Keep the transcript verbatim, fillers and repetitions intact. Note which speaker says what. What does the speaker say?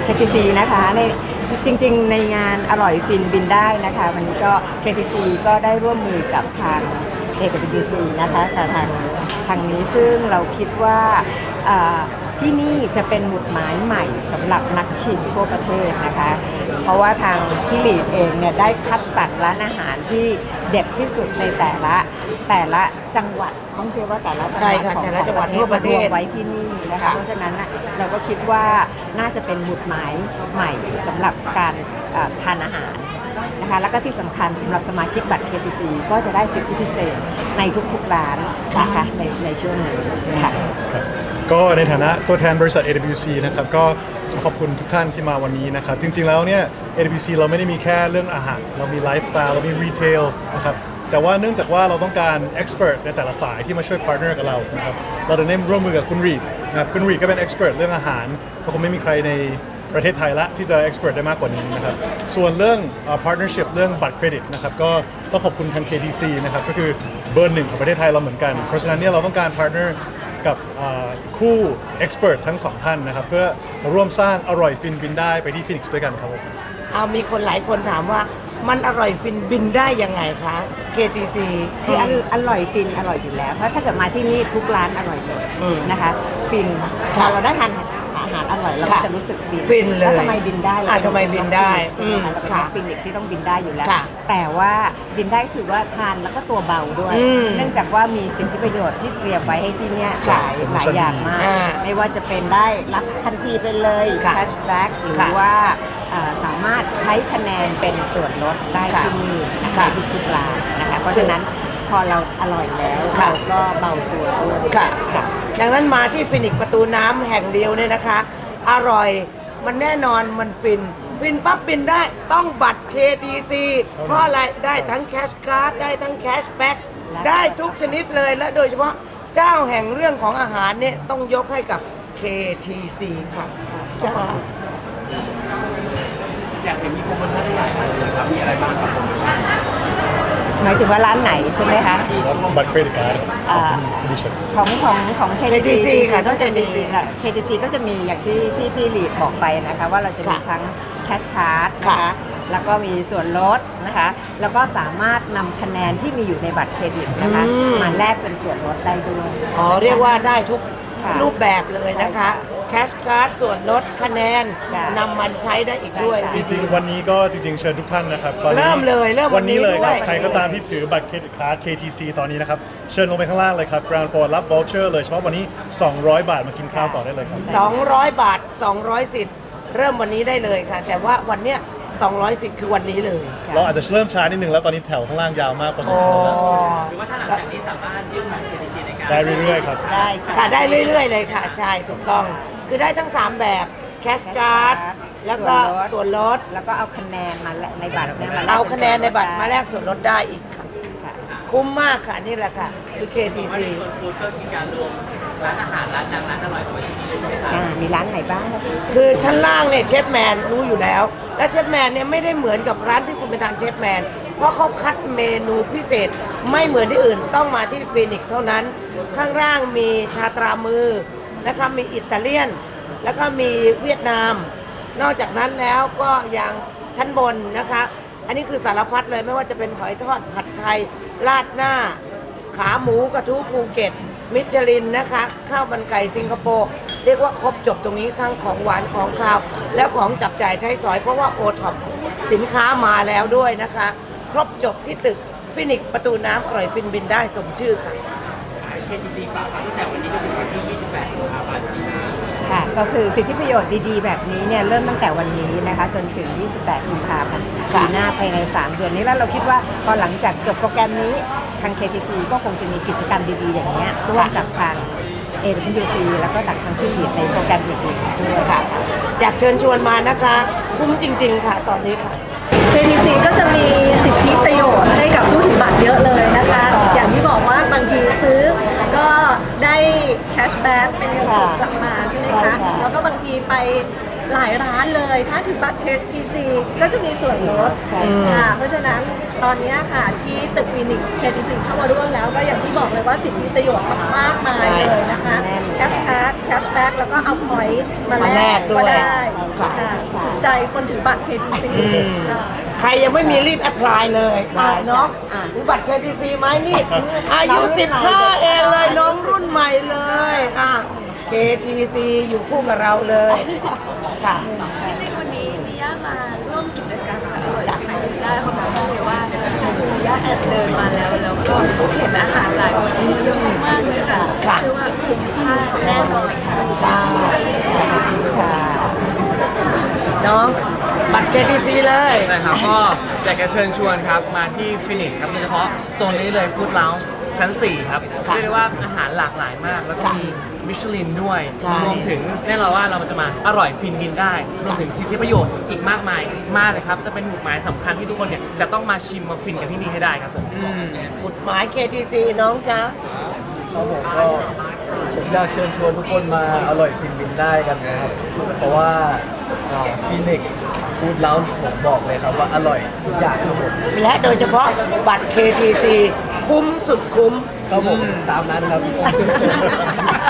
Speaker 1: เค ที ซี นะคะในจริงๆในงานอร่อยฟินบินได้นะคะวันนี้ก็ เค ที ซี ก็ได้ร่วมมือกับทาง เอ ดับเบิลยู ซี นะคะกับทางทางนี้ซึ่งเราคิดว่าที่นี่จะเป็นหมุดหมายใหม่สำหรับนักชิมทั่วประเทศนะคะเพราะว่าทางพี่หลีดเองเนี่ยได้คัดสรรร้านอาหารที่เด็ดที่สุดในแต่ละแต่ละจังหวัดต้องเชื่อว่าแต่ละจังหวัดของแต่ละจังหวัดทั่วประเทศไว้ที่นี่นะคะเพราะฉะนั้นเราก็คิดว่าน่าจะเป็นหมุดหมายใหม่สำหรับการทานอาหารนะคะแล้วก็ที่สำคัญสำหรับสมาชิกบัตร เค ที ซี ก็จะได้สิทธิพิเศษในทุกๆร้านนะคะในในช่วงนี้ค่ะ
Speaker 2: ก็ในฐานะตัวแทนบริษัท เอ ดับเบิลยู ซี นะครับก็ขอบคุณทุกท่านที่มาวันนี้นะครับจริงๆแล้วเนี่ย เอ ดับเบิลยู ซี เราไม่ได้มีแค่เรื่องอาหารเรามีไลฟ์สไตล์เรามีรีเทลนะครับแต่ว่าเนื่องจากว่าเราต้องการ expert ในแต่ละสายที่มาช่วย partner กับเรานะครับเราได้ร่วมมือกับคุณรีดนะครับคุณรีดก็เป็น expert เรื่องอาหารเพราะคงไม่มีใครในประเทศไทยละที่จะ expert ได้มากกว่านี้นะครับส่วนเรื่อง uh, partnership เรื่องบัตรเครดิตนะครับก็ต้องขอบคุณทาง เค ที ซี นะครับก็คือเบอร์หนึ่งของประเทศไทยเราเหมือนกันเพราะฉะนั้นเนี่ยเราต้องการ partner กับคู่ expert ทั้งสองท่านนะครับเพื่อร่วมสร้างอร่อยฟินบินได้ไปที่ฟินิกซ์ด้วยกันครับผม
Speaker 3: เอามีคนหลายคนถามว่ามันอร่อยฟินบินได้ยังไงคะ เค ที ซี
Speaker 1: คืออร่อยฟินอร่อยอยู่แล้วเพราะถ้าเกิดมาที่นี่ทุกร้านอร่อยเลยนะคะฟินพอเราได้ทานอาหารอร่อยเราก็จะรู้สึกบิน
Speaker 3: ฟินเลย
Speaker 1: แล้วทำไมบินได้
Speaker 3: อ่ะทำไมบินได้
Speaker 1: ใช่ไหมคะเราเป็นนักฟินิกที่ต้องบินได้อยู่แล้วแต่ว่าบินได้คือว่าทานแล้วก็ตัวเบาด้วยเนื่องจากว่ามีสิทธิประโยชน์ที่เตรียมไว้ให้ที่นี่หลายหลายอย่างมากไม่ว่าจะเป็นได้รับทันทีไปเลยแคชแบ็กหรือว่าสามารถใช้คะแนนเป็นส่วนลดได้ที่นี่นะคะทุกๆร้านนะคะเพราะฉะนั้นพอเราอร่อยแล้วเราก็เบาตัวด้วย
Speaker 3: ค่ะดังนั้นมาที่ฟินิกประตูน้ำแห่งเดียวเนี่ยนะคะอร่อยมันแน่นอนมันฟินฟินปั๊บบินได้ต้องบัตร เค ที ซี เพราะอะไรได้ทั้งแคชการ์ดได้ทั้งแคชแบ็กได้ทุกชนิดเลยและโดยเฉพาะเจ้าแห่งเรื่องของอาหารเนี่ยต้องยกให้กับ เค ที ซี ค่ะ
Speaker 4: อยากเห็นมีโปรโมชั่นหลายอันเลยครับมีอะไรบ้างครับโปรโมชั่น
Speaker 1: หมายถึงว่าร้านไหนใช่ไหมคะ
Speaker 2: บัตรเครดิตการ์ด
Speaker 1: ของของของ เค ที ซี ค่ะก็จะมี เค ที ซี ก็จะมีอย่างที่ที่พี่ลีดบอกไปนะคะว่าเราจะมีทั้งแคชการ์ดนะคะแล้วก็มีส่วนลดนะคะแล้วก็สามารถนำคะแนนที่มีอยู่ในบัตรเครดิตนะคะมาแลกเป็นส่วนลดได้ด้วย
Speaker 3: อ๋อเรียกว่าได้ทุกรูปแบบเลยนะคะแคชการ์ดส่วนลดคะแนนนำมันใช้ได้อีกด้วย
Speaker 2: จริงๆวันนี้ก็จริงๆเชิญทุกท่านนะครับ
Speaker 3: เริ่มเลยเริ่ม
Speaker 2: วันนี้เลยครับใครก็ตามที่ถือบัตรเครดิตการ์ด เค ที ซี ตอนนี้นะครับเชิญลงไปข้างล่างเลยครับ ground floor รับ voucher เลยเฉพาะวันนี้สองร้อยบาทมากินข้าวต่อได้เลยครับ
Speaker 3: สองร้อยบาทสองร้อยสิทธิ์เริ่มวันนี้ได้เลยค่ะแต่ว่าวันเนี้ยสองร้อยสิทธิ์คือวันนี้เลย
Speaker 2: เราอาจจะเริ่มช้านิดนึงแล้วตอนนี้แถวข้างล่างยาวมากกว่านี้
Speaker 4: หรือว่าถ้าหลังจากนี้สามารถยื่นบัตร เค ที ซี ในการ
Speaker 2: ได้เรื่อยๆครับ
Speaker 3: ได้ค่ะได้เรื่อยๆเลยค่ะใช่ถูกต้องคือได้ทั้งสามแบบแคชการ์ดแล้วก็ส่วนลด
Speaker 1: แล้วก็เอาคะแนนมาในบัตรเนี่ยมา
Speaker 3: เอาคะแนนในบัตรมาแลกส่วนลดได้อีกค่ะคุ้มมากค่ะนี่แหละค่ะคือ เค ที ซี
Speaker 4: ฟู้ดก็มีการรวมร้านอาหารร้านดังร้านอร่อยเอาไว้ที่นี่เลยใช่ไหมครับ
Speaker 1: มีร้านไหนบ้างครับ
Speaker 3: คือชั้นล่างเนี่ยเชฟแมนรู้อยู่แล้วและเชฟแมนเนี่ยไม่ได้เหมือนกับร้านที่คุณไปทานเชฟแมนเพราะเขาคัดเมนูพิเศษไม่เหมือนที่อื่นต้องมาที่ฟินิกซ์เท่านั้นข้างล่างมีชาตรามือนะคะมีอิตาเลียนแล้วก็มีเวียดนามนอกจากนั้นแล้วก็อย่างชั้นบนนะคะอันนี้คือสารพัดเลยไม่ว่าจะเป็นหอยทอดผัดไทยราดหน้าขาหมูกระทู้ภูเก็ตมิชลินนะคะข้าวมันไก่สิงคโปร์เรียกว่าครบจบตรงนี้ทั้งของหวานของคาวและของจับจ่ายใช้สอยเพราะว่าโอท็อปสินค้ามาแล้วด้วยนะคะครบจบที่ตึกฟินิกซ์ประตูน้ำอร่อยฟินบินได้สมชื่อค่ะ
Speaker 4: เค ที ซี ฝากตั้งแต่วันนี้จนถึงวันที่ยี่สิบแปดกุมภาพันธ์นี้นะ
Speaker 1: ค่ะก็คือสิทธิประโยชน์ดีๆแบบนี้เนี่ยเริ่มตั้งแต่วันนี้นะคะจนถึงยี่สิบแปดกุมภาพันธ์ปีหน้าภายในสามเดือนนี้แล้วเราคิดว่าพอหลังจากจบโปรแกรมนี้ทาง เค ที ซี ก็คงจะมีกิจกรรมดีๆอย่างนี้ร่วมกับทาง เอ ดับเบิลยู ซี แล้วก็ทางผู้ผลิตในโปรแกรมอื่นๆด้วย
Speaker 3: ค่ะอยากเชิญชวนมานะคะคุ้มจริงๆค่ะตอนนี้ค่ะ
Speaker 5: เค ที ซี ก็จะมีสิทธิประโยชน์ให้กับผู้ถือบัตรเยอะเลยนะคะอย่างที่บอกว่าบางทีซื้อก็ได้แคชแบ็กเป็นเงินสดกลับมาใช่ไหมคะแล้วก็บางทีไปหลายร้านเลยถ้าถือบัตร เค ที ซี ก็จะมีส่วนลดค่ะเพราะฉะนั้นตอนนี้ค่ะที่ตึกฟินิกซ์ เค ที ซี เข้ามาร่วมแล้วก็อย่างที่บอกเลยว่าสิทธิประโยชน์มากมายเลยนะคะแคชการ์ดแคชแบ็กแล้วก็เอาพอยต์มา
Speaker 3: มา
Speaker 5: แล
Speaker 3: แล
Speaker 5: ก
Speaker 3: กด้
Speaker 5: ก็
Speaker 3: วย
Speaker 5: ได้
Speaker 3: ค่ะ
Speaker 5: ค่ะถูกใจคนถือบัตร เค ที ซี
Speaker 3: อืม
Speaker 5: ค่ะ
Speaker 3: ใครยังไม่มีรีบแอพพลายเลย
Speaker 1: ได้
Speaker 3: อ่ะน้อง
Speaker 1: อ่ะ
Speaker 3: มีบัตร เค ที ซี ไหมนี่ อายุ
Speaker 1: น้องรุ่นใหม่
Speaker 3: สิบห้า เองเลยน้องรุ่นใหม่เลยอ่ะ เค ที ซี อยู่คู่กับเราเลยค่ะ
Speaker 6: จริงๆวันนี้มิย่ามาร่วมกิจกรรมอร่อยกินได้เพราะว่าเลยว่าจริงๆมิย่าแอบเดินมาแล้วแล้วก็เห็นอาหารหลายวันนี้เยอะมากเลยค่ะ
Speaker 3: ค่ะ
Speaker 6: เชื่อว่าคุ้มค่าแน่นอนค่ะ
Speaker 3: ค่ะน้องบัตร เค ที ซี เลย
Speaker 7: นะครับก็อยากจะเชิญชวนครับมาที่ฟินิกส์ครับโดยเฉพาะโซนนี้เลยฟู้ดลาวส์ชั้น สี่ ครับ
Speaker 3: ค่ะ
Speaker 7: เรียกได้ว่าอาหารหลากหลายมาก แล้วก็
Speaker 3: ค่ะ
Speaker 7: มีมิชลินด้วย
Speaker 3: ใช่
Speaker 7: รวมถึงแน่นอนว่าเราจะมาอร่อยฟินกินได้ รวมถึงสิทธิประโยชน์อีกมากมายมากเลยครับ จะเป็นหมุดหมายสำคัญที่ทุกคนเนี่ยจะต้องมาชิมมาฟินกันที่นี่ให้ได้ครับผม
Speaker 3: อืมบุตรหมาย เค ที ซี น้องจ๊ะ
Speaker 8: ครับผมก็ผมอยากเชิญชวนทุกคนมาอร่อยฟินบินได้กันนะครับ เพราะว่าฟีนิกซ์ฟู้ดลาวผมบอกเลยครับว่าอร่อยทุกอย่างครับผม
Speaker 3: และโดยเฉพาะบัตร เค ที ซี คุ้มสุดคุ้ม
Speaker 8: ครับผมตามนั้นครับ